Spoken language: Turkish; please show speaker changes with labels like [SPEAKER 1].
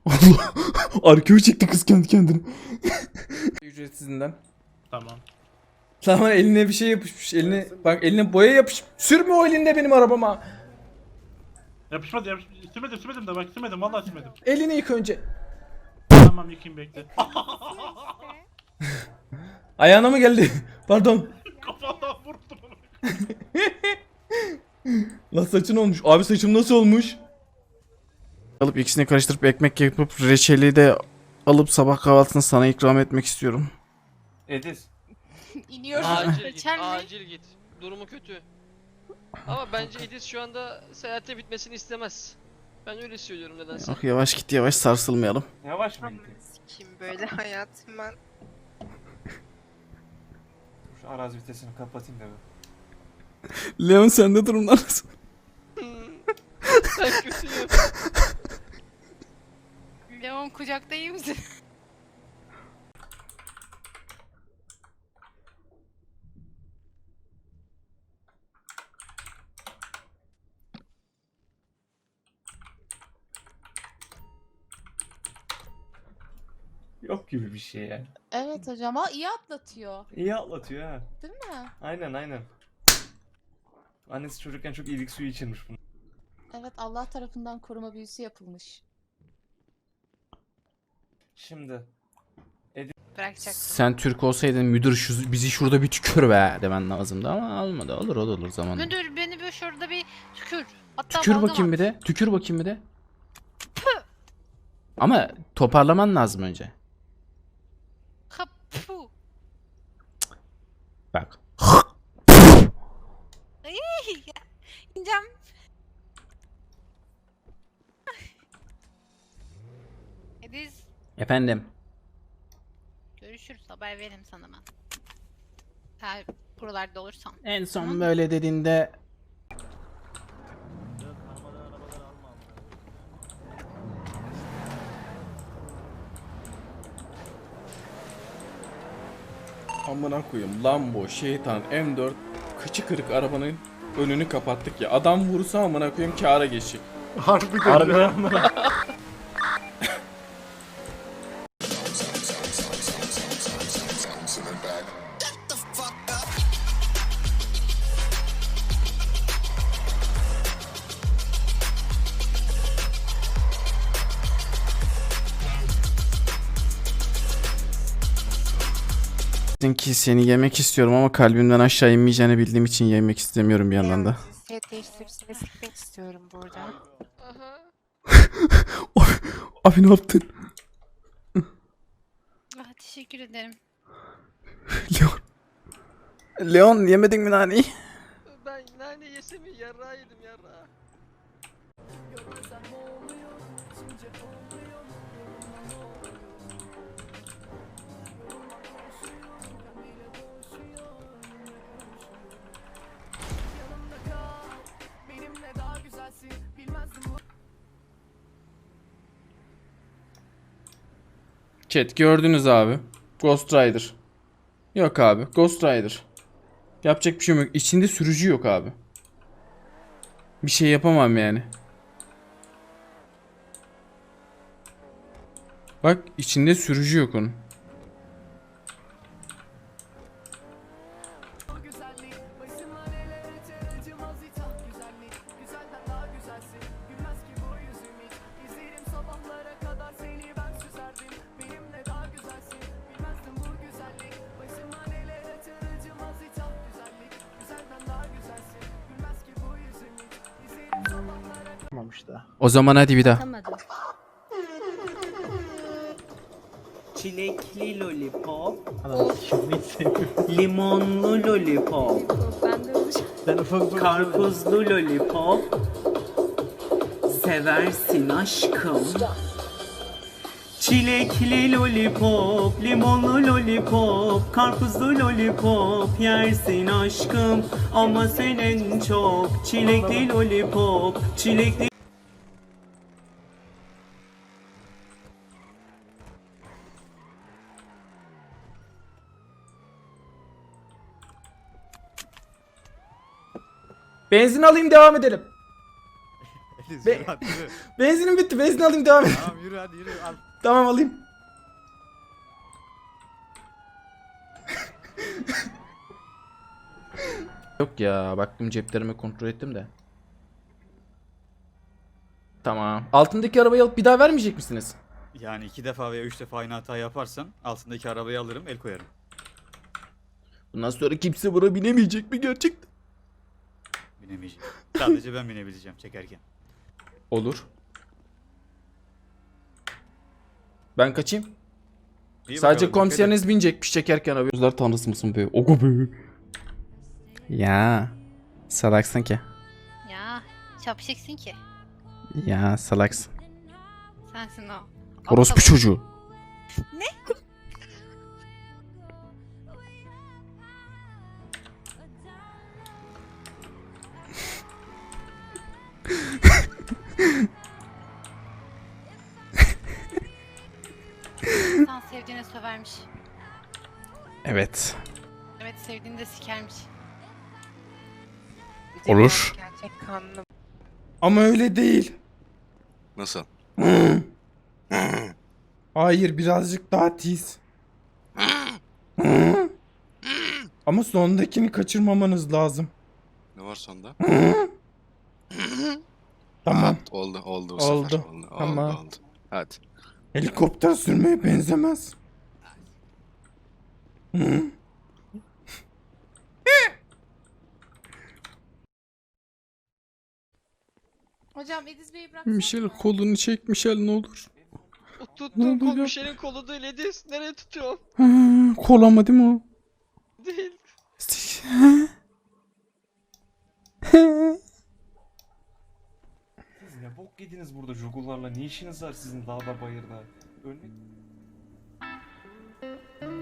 [SPEAKER 1] Allah. Arkaya çekti kız kendi kendine. Ücretsizinden.
[SPEAKER 2] Tamam.
[SPEAKER 1] Tamam eline bir şey yapışmış. Eline bak eline boya yapış. Sürme o elinde benim arabama.
[SPEAKER 2] Yapışmadı. Sürmedim de bak sürmedim. Vallahi sürmedim.
[SPEAKER 1] Elini yık önce.
[SPEAKER 2] Tamam yıkayım bekle.
[SPEAKER 1] Ayağına mı geldi? Pardon.
[SPEAKER 2] Kafadan vurdum onu.
[SPEAKER 1] Lan saçın olmuş. Abi saçım nasıl olmuş? Alıp ikisini karıştırıp ekmek yapıp reçeli de alıp sabah kahvaltısını sana ikram etmek istiyorum.
[SPEAKER 3] Ediz.
[SPEAKER 4] İniyoruz.
[SPEAKER 5] Acil git,
[SPEAKER 4] Geçen mi?
[SPEAKER 5] acil git. Durumu kötü. Ama bence Edis şu anda seyahate bitmesini istemez. Ben öyle söylüyorum nedense.
[SPEAKER 1] Ah yavaş git yavaş sarsılmayalım.
[SPEAKER 3] Yavaş mı gidiyor?
[SPEAKER 4] Kim böyle hayatım ben.
[SPEAKER 3] Şu arazi vitesini kapatayım da bir.
[SPEAKER 1] Leon sende durumlar nasıl?
[SPEAKER 5] Ben kötüyüm.
[SPEAKER 4] Leon kucakta iyi misin?
[SPEAKER 3] Yok gibi bir şey ya.
[SPEAKER 6] Evet hocam ama iyi atlatıyor.
[SPEAKER 3] İyi atlatıyor ha.
[SPEAKER 6] Değil mi?
[SPEAKER 3] Aynen. Annesi çocukken çok iyilik suyu içirmiş bunu.
[SPEAKER 6] Evet Allah tarafından koruma büyüsü yapılmış.
[SPEAKER 3] Şimdi
[SPEAKER 4] Bırakacaktım.
[SPEAKER 1] Sen Türk olsaydın müdür bizi şurada bir tükür be demen lazımdı ama olmadı. Olur o da olur zamanla.
[SPEAKER 4] Müdür beni böyle şurada bir tükür. Hatta
[SPEAKER 1] Tükür
[SPEAKER 4] balgam
[SPEAKER 1] bakayım
[SPEAKER 4] at.
[SPEAKER 1] bir de. Tükür bakayım bir de. Ama toparlaman lazım önce.
[SPEAKER 4] Kapu.
[SPEAKER 1] Bak.
[SPEAKER 4] İneceğim. Ediz.
[SPEAKER 1] Efendim.
[SPEAKER 4] Görüşürüz. Haber veririm sana ben. Eğer buralarda olursam.
[SPEAKER 1] En son
[SPEAKER 4] Tamam.
[SPEAKER 1] böyle dediğinde amına koyayım Lambo, şeytan, M4 kıçı kırık arabanın önünü kapattık ya. Adam vursa amına koyayım kâra geçecek.
[SPEAKER 2] Harbiden ya.
[SPEAKER 1] Ki seni yemek istiyorum ama kalbimden aşağı inmeyeceğini bildiğim için yemek istemiyorum bir yandan da.
[SPEAKER 4] Set değiştirip seni sikmek istiyorum burada.
[SPEAKER 5] Aha.
[SPEAKER 1] Abi ne yaptın?
[SPEAKER 4] Ah, teşekkür ederim.
[SPEAKER 1] Leon. Leon yemedin mi naneyi?
[SPEAKER 5] Ben nane yesem mi? Yarrağı yedim yarrağı.
[SPEAKER 1] Chat gördünüz abi. Ghost Rider. Yok abi. Ghost Rider. Yapacak bir şey yok. İçinde sürücü yok abi. Bir şey yapamam yani. Bak içinde sürücü yok onun. O zaman hadi bir daha.
[SPEAKER 7] Çilekli lollipop. Limonlu lollipop. Karpuzlu lollipop. Seversin aşkım. Çilekli lollipop, limonlu lollipop, karpuzlu lollipop yersin aşkım. Ama sen en çok çilekli lollipop, çilekli.
[SPEAKER 1] Benzin alayım devam edelim.
[SPEAKER 8] Ediz
[SPEAKER 1] Be-
[SPEAKER 8] yürü hadi yürü.
[SPEAKER 1] Benzinim bitti. Benzin alayım devam et.
[SPEAKER 8] Tamam yürü hadi yürü al.
[SPEAKER 1] Tamam alayım. Yok ya, baktım ceplerimi kontrol ettim de. Tamam. Altındaki arabayı alıp bir daha vermeyecek misiniz?
[SPEAKER 8] Yani 2 defa veya 3 defa aynı hata yaparsan altındaki arabayı alırım el koyarım.
[SPEAKER 1] Bundan sonra kimse buna binemeyecek mi gerçekten?
[SPEAKER 8] Binemeyeceğim. Sadece ben binebileceğim çekerken.
[SPEAKER 1] Olur. Ben kaçayım.
[SPEAKER 8] İyi
[SPEAKER 1] Sadece
[SPEAKER 8] bakalım,
[SPEAKER 1] komiseriniz binecekmiş çekerken abi. Gözler tanrısı mısın be? Oku be. Ya. Salaksın ki.
[SPEAKER 4] Ya şapşiksin ki.
[SPEAKER 1] Ya salaksın.
[SPEAKER 4] Sensin o.
[SPEAKER 1] Orospu
[SPEAKER 4] Aptal.
[SPEAKER 1] çocuğu.
[SPEAKER 4] İnsan sevdiğine sövermiş.
[SPEAKER 1] Evet.
[SPEAKER 4] Evet, sevdiğini de sikermiş.
[SPEAKER 1] Olur.
[SPEAKER 4] Gerçek kanlı.
[SPEAKER 1] Ama öyle değil.
[SPEAKER 9] Nasıl?
[SPEAKER 1] Hayır, birazcık daha tiz. Ama sondakini kaçırmamanız lazım.
[SPEAKER 9] Ne var sonda?
[SPEAKER 1] Tamam.
[SPEAKER 9] Ha, oldu bu
[SPEAKER 1] Oldu.
[SPEAKER 9] sefer.
[SPEAKER 1] Tamam.
[SPEAKER 9] Oldu. Hadi.
[SPEAKER 1] Helikopter sürmeye benzemez.
[SPEAKER 6] Hocam Ediz Bey'i bırak.
[SPEAKER 1] Michel kolunu çek Michel ne olur.
[SPEAKER 5] O
[SPEAKER 1] Ne
[SPEAKER 5] tuttuğum kol
[SPEAKER 1] oluyor?
[SPEAKER 5] Michel'in kolu değil Ediz. Nereye tutuyorum?
[SPEAKER 1] Kol ama değil mi o?
[SPEAKER 5] Değil.
[SPEAKER 3] Siz ne bok yediniz burada jogullarla? Ne işiniz var sizin dağda bayırda? Ölmek...